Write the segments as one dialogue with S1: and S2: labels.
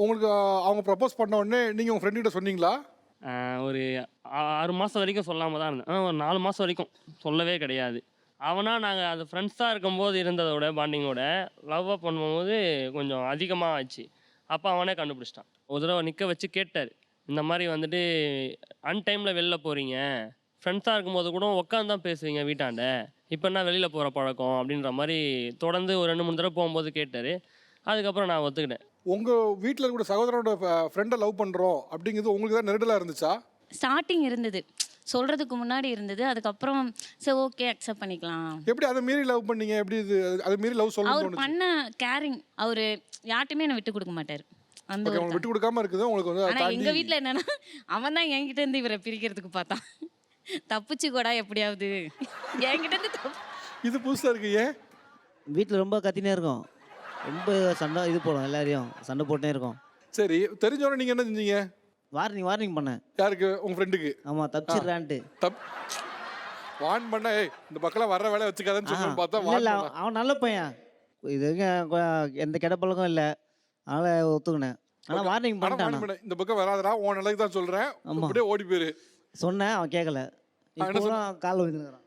S1: உங்களுக்கு அவங்க ப்ரப்போஸ் பண்ண உடனே நீங்கள் உங்கள் ஃப்ரெண்டுகிட்ட சொன்னீங்களா?
S2: ஒரு 6 மாதம் வரைக்கும் சொல்லாமல் தான் இருந்தேன். ஒரு 4 மாதம் வரைக்கும் சொல்லவே கிடையாது. அவனா நாங்கள் அது ஃப்ரெண்ட்ஸாக இருக்கும்போது இருந்ததோட பாண்டிங்கோட லவ்வாக பண்ணும்போது கொஞ்சம் அதிகமாக ஆச்சு. அப்போ அவனே கண்டுபிடிச்சிட்டான். ஒரு தடவை நிற்க வச்சு கேட்டார், இந்த மாதிரி வந்துட்டு அன்டைமில் வெளில போகிறீங்க, ஃப்ரெண்ட்ஸாக இருக்கும்போது கூட உட்காந்து தான் பேசுவீங்க வீட்டாண்ட, இப்போ என்ன வெளியில் போகிற பழக்கம் அப்படின்ற மாதிரி தொடர்ந்து ஒரு 2-3 தடவை போகும்போது கேட்டார். அதுக்கப்புறம் நான் ஒத்துக்கிட்டேன்.
S1: உங்கள் வீட்டில் இருக்கிற சகோதரனோட ஃப்ரெண்டை லவ் பண்ணுறோம் அப்படிங்கிறது உங்களுக்கு தான் நெருடலாக இருந்துச்சா?
S3: ஸ்டார்டிங் இருந்தது, சொல்கிறதுக்கு முன்னாடி இருந்தது. அதுக்கப்புறம் சரி ஓகே அக்செப்ட் பண்ணிக்கலாம்.
S1: எப்படி அதை மீறி லவ் பண்ணீங்க? எப்படி இது அதை மீறி லவ்
S3: அவர்
S1: சொல்லணும்?
S3: பண்ண கேரிங், அவர் யார்ட்டுமே என்னை விட்டு கொடுக்க மாட்டார். அந்த
S1: ஓகே, அவங்க விட்டு கொடுக்காம இருக்குது உங்களுக்கு வந்து
S3: ஆனால் எங்கள் வீட்டில் என்னன்னா அவன் தான் என்கிட்ட இருந்து இவரை பிரிக்கிறதுக்கு பார்த்தான். தப்பிச்சு கூட எப்படியாவது என்கிட்ட இருந்து
S1: இது புதுசாக இருக்கு. ஏன்
S4: வீட்டில் ரொம்ப கத்தினே இருக்கும், ரொம்ப சண்டை இது போடும், எல்லாரையும் சண்டை போட்டே இருக்கும்.
S1: சரி, தெரிஞ்சோடனே நீங்கள் என்ன செஞ்சீங்க?
S4: வார்னிங் பண்ணேன்.
S1: யாருக்கு? உங்கள் ஃப்ரெண்டுக்கு?
S4: ஆமாம், தப்பிச்சிடுறான்ட்டு.
S1: வார்ன் பண்ண, ஏய் இந்த பக்கம் வர்ற வேலை வச்சுக்காதன்னு சொல்லணும்னு பார்த்தா
S4: இல்லை, அவன் நல்ல பையன், இது வரைக்கும் எந்த கெட்ட பழக்கம் இல்லை, அதனால் ஒத்துக்கினேன். ஆனால் வார்னிங் பண்ணிட்டான்,
S1: இந்த பக்கம் வராதடா, உன் நிலைக்கு தான் சொல்கிறேன், அப்படியே ஓடி போயிரு
S4: சொன்னேன். அவன் கேட்கல, இப்போலாம் காலில் விழுந்துக்கிறான்.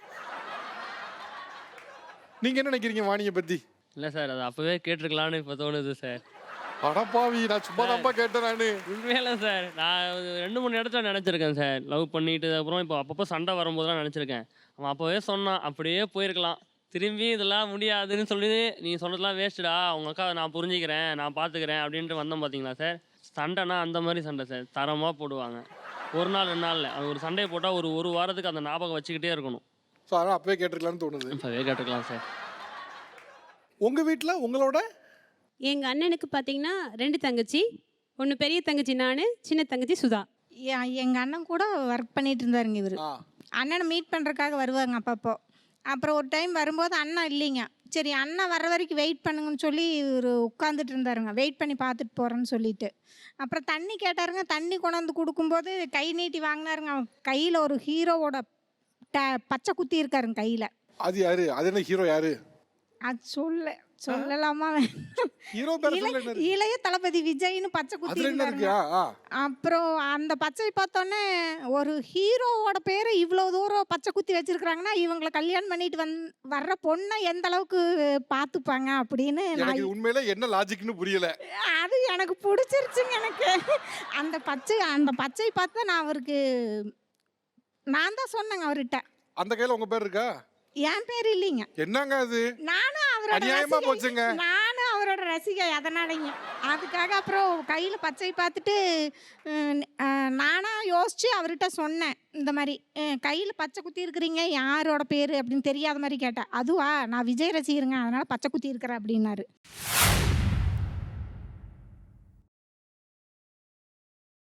S1: நீங்கள் என்ன நினைக்கிறீங்க வாணியை பற்றி?
S2: இல்லை சார், அது அப்போவே கேட்டிருக்கலான்னு இப்போ தோணுது சார்.
S1: அடப்பாவி, நான் சும்மா தான்ப்பா கேட்டேன். நான்
S2: உண்மையில சார், நான் 2-3 இடத்துல நினச்சிருக்கேன் சார். லவ் பண்ணிட்டு அப்புறம் இப்போ அப்பப்போ சண்டை வரும்போதெல்லாம் நினச்சிருக்கேன். அவன் அப்போவே சொன்னான், அப்படியே போயிருக்கலாம். திரும்பி இதெல்லாம் முடியாதுன்னு சொல்லி நீ சொன்னதெல்லாம் வேஸ்ட்டுடா, உங்கள் அக்கா நான் புரிஞ்சிக்கிறேன், நான் பார்த்துக்கிறேன் அப்படின்ட்டு வந்தோம் பார்த்தீங்களா சார். சண்டைனா அந்த மாதிரி சண்டை சார், தரமாக போடுவாங்க. 1 நாள் 2 நாளில் அது ஒரு சண்டையை போட்டால் ஒரு வாரத்துக்கு அந்த ஞாபகம் வச்சுக்கிட்டே இருக்கணும்.
S1: ஸோ அதனால் அப்பவே கேட்டிருக்கலான்னு தோணுது.
S2: இப்போவே கேட்டுக்கலாம் சார்.
S1: உங்கள் வீட்டில் உங்களோட?
S5: எங்கள் அண்ணனுக்கு பார்த்தீங்கன்னா 2 தங்கச்சி. ஒன்று பெரிய தங்கச்சி நான், சின்ன தங்கச்சி சுதா.
S6: எங்கள் அண்ணன் கூட ஒர்க் பண்ணிட்டு இருந்தாருங்க. இவர் அண்ணனை மீட் பண்ணுறதுக்காக வருவாங்க அப்பப்போ. அப்புறம் ஒரு டைம் வரும்போது அண்ணன் இல்லைங்க. சரி அண்ணன் வர்ற வரைக்கும் வெயிட் பண்ணுங்கன்னு சொல்லி இவர் உட்காந்துட்டு இருந்தாருங்க, வெயிட் பண்ணி பார்த்துட்டு போகிறேன்னு சொல்லிட்டு. அப்புறம் தண்ணி கேட்டாருங்க, தண்ணி கொண்டாந்து கொடுக்கும்போது கை நீட்டி வாங்கினாருங்க. அவன் கையில் ஒரு ஹீரோவோட பச்சை குத்தி இருக்காருங்க கையில்.
S1: அது யாரு? அது என்ன ஹீரோ யாரு?
S6: அது சொல்லலாமா? இளைய தளபதி விஜய்னு பச்சை குத்தி இருந்தாருங்க. அப்புறம் அந்த பச்சை பார்த்தோன்னே ஒரு ஹீரோவோட பேரை இவ்வளோ தூரம் பச்சை குத்தி வச்சிருக்கிறாங்கன்னா இவங்களை கல்யாணம் பண்ணிட்டு வர்ற பொண்ணை எந்த அளவுக்கு பார்த்துப்பாங்க அப்படின்னு
S1: உண்மையில என்ன லாஜிக்னு புரியல.
S6: அது எனக்கு பிடிச்சிருச்சுங்க. எனக்கு அந்த பச்சை பார்த்தா நான் தான் சொன்னேங்க அவர்கிட்ட.
S1: அந்த கையில உங்க பேர் இருக்கா?
S6: என் பேர் இல்லைங்க.
S1: என்னங்க அது?
S6: நானும் அவரோட ரசிகை, அதனாலங்க. அதுக்காக அப்புறம் கையில் பச்சை பார்த்துட்டு நானாக யோசித்து அவர்கிட்ட சொன்னேன், இந்த மாதிரி கையில் பச்சை குத்தி இருக்கிறீங்க, யாரோட பேர் அப்படின்னு தெரியாத மாதிரி கேட்டேன். அதுவா, நான் விஜய் ரசிகருங்க, அதனால் பச்சை குத்தி இருக்கிறேன் அப்படின்னாரு.